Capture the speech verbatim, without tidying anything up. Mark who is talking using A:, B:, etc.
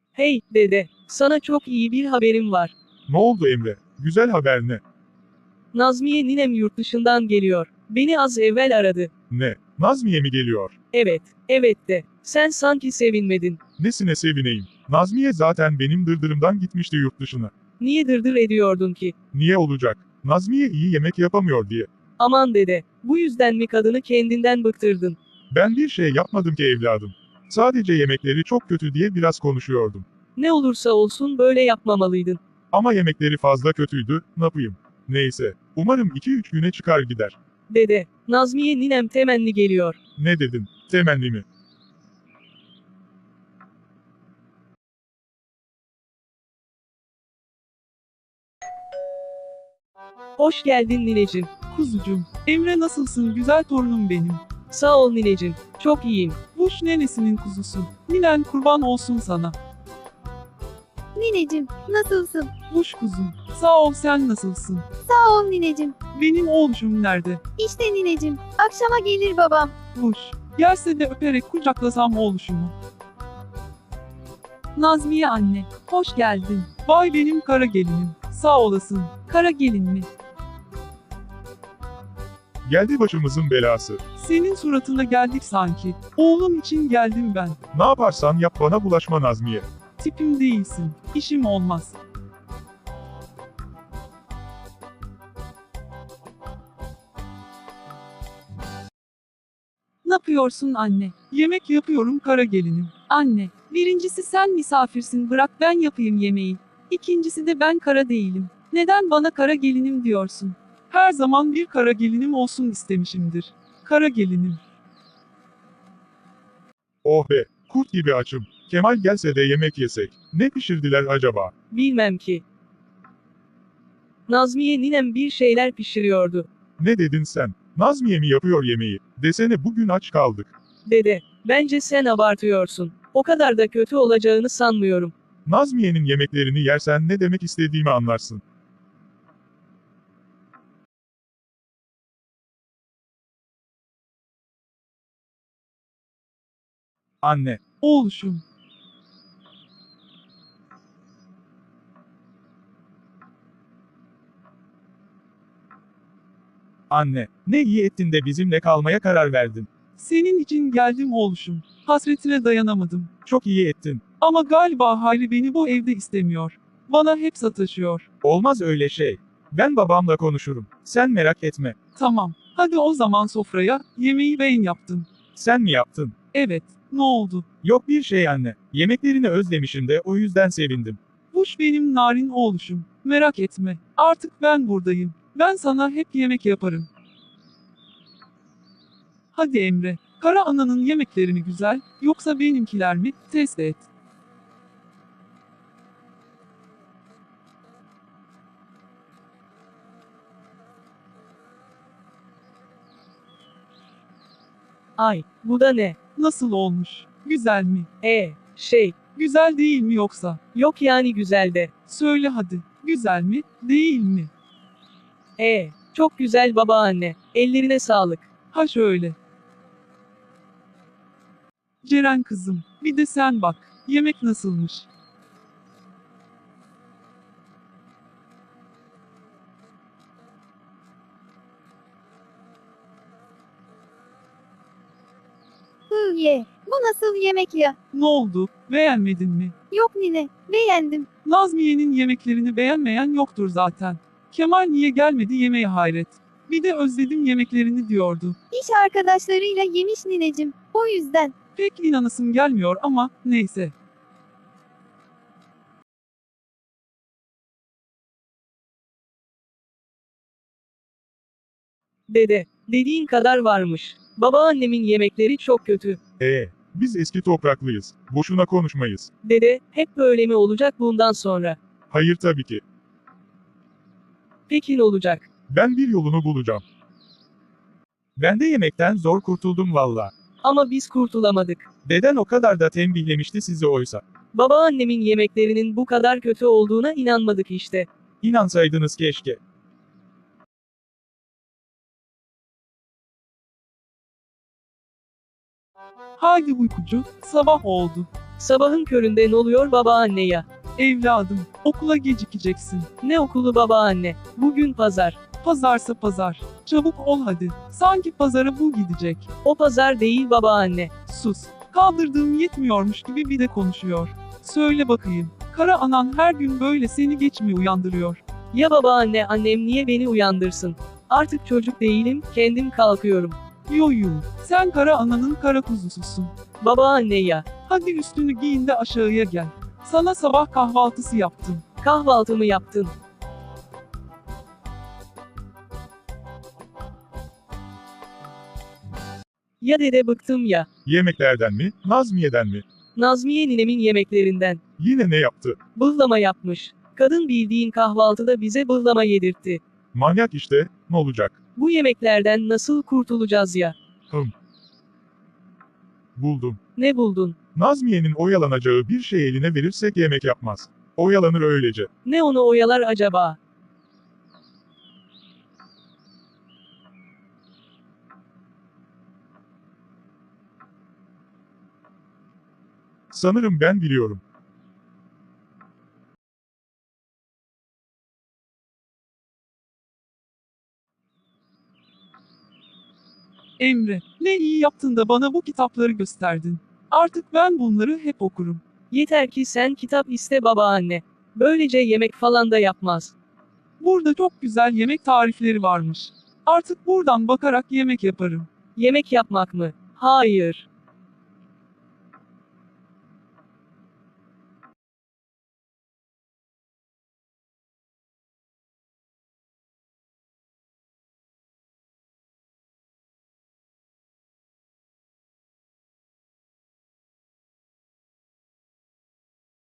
A: Hey, dede, sana çok iyi bir haberim var.
B: Ne oldu Emre? Güzel haber ne?
A: Nazmiye ninem yurt dışından geliyor. Beni az evvel aradı.
B: Ne? Nazmiye mi geliyor?
A: Evet, evet de. Sen sanki sevinmedin.
B: Nesine sevineyim? Nazmiye zaten benim dırdırımdan gitmişti yurt dışına.
A: Niye dırdır ediyordun ki?
B: Niye olacak? Nazmiye iyi yemek yapamıyor diye.
A: Aman dede, bu yüzden mi kadını kendinden bıktırdın?
B: Ben bir şey yapmadım ki evladım. Sadece yemekleri çok kötü diye biraz konuşuyordum.
A: Ne olursa olsun böyle yapmamalıydın.
B: Ama yemekleri fazla kötüydü, ne yapayım? Neyse, umarım iki üç güne çıkar gider.
A: Dede, Nazmiye ninem temenni geliyor.
B: Ne dedin? Temenni mi?
A: Hoş geldin nineciğim.
C: Kuzucum, Emre nasılsın güzel torunum benim?
A: Sağ ol nineciğim, çok iyiyim.
C: Buş nenesinin kuzusu. Ninen kurban olsun sana.
D: Nineciğim, nasılsın?
C: Buş kuzum, sağ ol sen nasılsın?
D: Sağ ol nineciğim.
C: Benim oğluşum nerede?
D: İşte nineciğim, akşama gelir babam.
C: Buş, gelse de öperek kucaklasam oğluşumu. Nazmiye anne, hoş geldin. Vay benim kara gelinim, sağ olasın. Kara gelin mi?
B: Geldi başımızın belası.
C: Senin suratına geldik sanki. Oğlum için geldim ben.
B: Ne yaparsan yap bana bulaşma Nazmiye.
C: Tipim değilsin, işim olmaz. Ne yapıyorsun anne? Yemek yapıyorum kara gelinim. Anne, birincisi sen misafirsin bırak ben yapayım yemeği. İkincisi de ben kara değilim. Neden bana kara gelinim diyorsun? Her zaman bir kara gelinim olsun istemişimdir. Kara gelinim.
B: Oh be, kurt gibi açım. Kemal gelse de yemek yesek. Ne pişirdiler acaba?
A: Bilmem ki. Nazmiye ninem bir şeyler pişiriyordu.
B: Ne dedin sen? Nazmiye mi yapıyor yemeği? Desene bugün aç kaldık.
A: Dede, bence sen abartıyorsun. O kadar da kötü olacağını sanmıyorum.
B: Nazmiye'nin yemeklerini yersen ne demek istediğimi anlarsın. Anne,
C: Oğluşum.
B: anne, ne iyi ettin de bizimle kalmaya karar verdin.
C: Senin için geldim oğluşum. Hasretine dayanamadım.
B: Çok iyi ettin.
C: Ama galiba Hayri beni bu evde istemiyor. Bana hep sataşıyor.
B: Olmaz öyle şey. Ben babamla konuşurum. Sen merak etme.
C: Tamam. Hadi o zaman sofraya. Yemeği ben yaptım.
B: Sen mi yaptın?
C: Evet. Ne oldu?
B: Yok bir şey anne. Yemeklerini özlemişim de o yüzden sevindim.
C: Buş benim narin oğluşum. Merak etme. Artık ben buradayım. Ben sana hep yemek yaparım. Hadi Emre. Kara ananın yemekleri mi güzel, yoksa benimkiler mi? Test et.
A: Ay, bu da ne?
C: Nasıl olmuş? Güzel mi?
A: E, şey,
C: Güzel değil mi yoksa?
A: yok yani güzel de.
C: Söyle hadi. Güzel mi? Değil mi?
A: E, çok güzel babaanne. Ellerine sağlık.
C: Ha şöyle. Ceren kızım, bir de sen bak. Yemek nasılmış?
D: Hı ye, bu nasıl yemek ya?
C: Ne oldu? Beğenmedin mi?
D: Yok nine, beğendim.
C: Nazmiye'nin yemeklerini beğenmeyen yoktur zaten. Kemal niye gelmedi yemeğe hayret. Bir de özledim yemeklerini diyordu.
D: İş arkadaşlarıyla yemiş ninecim. O yüzden.
C: Pek inanasım gelmiyor ama neyse.
A: Dede, dediğin kadar varmış. Babaannemin yemekleri çok kötü.
B: Ee, biz eski topraklıyız. Boşuna konuşmayız.
A: Dede, hep böyle mi olacak bundan sonra?
B: Hayır tabii ki.
A: Peki ne olacak?
B: Ben bir yolunu bulacağım. Ben de yemekten zor kurtuldum valla.
A: Ama biz kurtulamadık.
B: Deden o kadar da tembihlemişti sizi oysa.
A: Babaannemin yemeklerinin bu kadar kötü olduğuna inanmadık işte.
B: İnansaydınız keşke.
C: Haydi uykucu, sabah oldu.
A: Sabahın köründe ne oluyor babaanne ya?
C: Evladım, okula gecikeceksin.
A: Ne okulu babaanne? Bugün pazar.
C: Pazarsa pazar. Çabuk ol hadi. Sanki pazara bu gidecek.
A: O pazar değil babaanne.
C: Sus. Kaldırdığım yetmiyormuş gibi bir de konuşuyor. Söyle bakayım. Kara anan her gün böyle seni geç mi uyandırıyor?
A: Ya babaanne, annem niye beni uyandırsın? Artık çocuk değilim, kendim kalkıyorum.
C: Yo yo. Sen kara ananın kara kuzususun.
A: Babaanne ya.
C: Hadi üstünü giyin de aşağıya gel. Sana sabah kahvaltısı yaptım.
A: Kahvaltımı yaptın. Ya dede, bıktım ya.
B: Yemeklerden mi, Nazmiye'den mi?
A: Nazmiye ninemin yemeklerinden.
B: Yine ne yaptı?
A: Bıhlama yapmış. Kadın bildiğin kahvaltıda bize bıhlama yedirtti.
B: Manyak işte, ne olacak?
A: Bu yemeklerden nasıl kurtulacağız ya?
B: Hım. Buldum.
A: Ne buldun?
B: Nazmiye'nin oyalanacağı bir şey eline verirsek yemek yapmaz. Oyalanır öylece.
A: Ne onu oyalar acaba?
B: Sanırım ben biliyorum.
C: Emre, ne iyi yaptın da bana bu kitapları gösterdin. Artık ben bunları hep okurum.
A: Yeter ki sen kitap iste babaanne. Böylece yemek falan da yapmaz.
C: Burada çok güzel yemek tarifleri varmış. Artık buradan bakarak yemek yaparım.
A: Yemek yapmak mı? Hayır.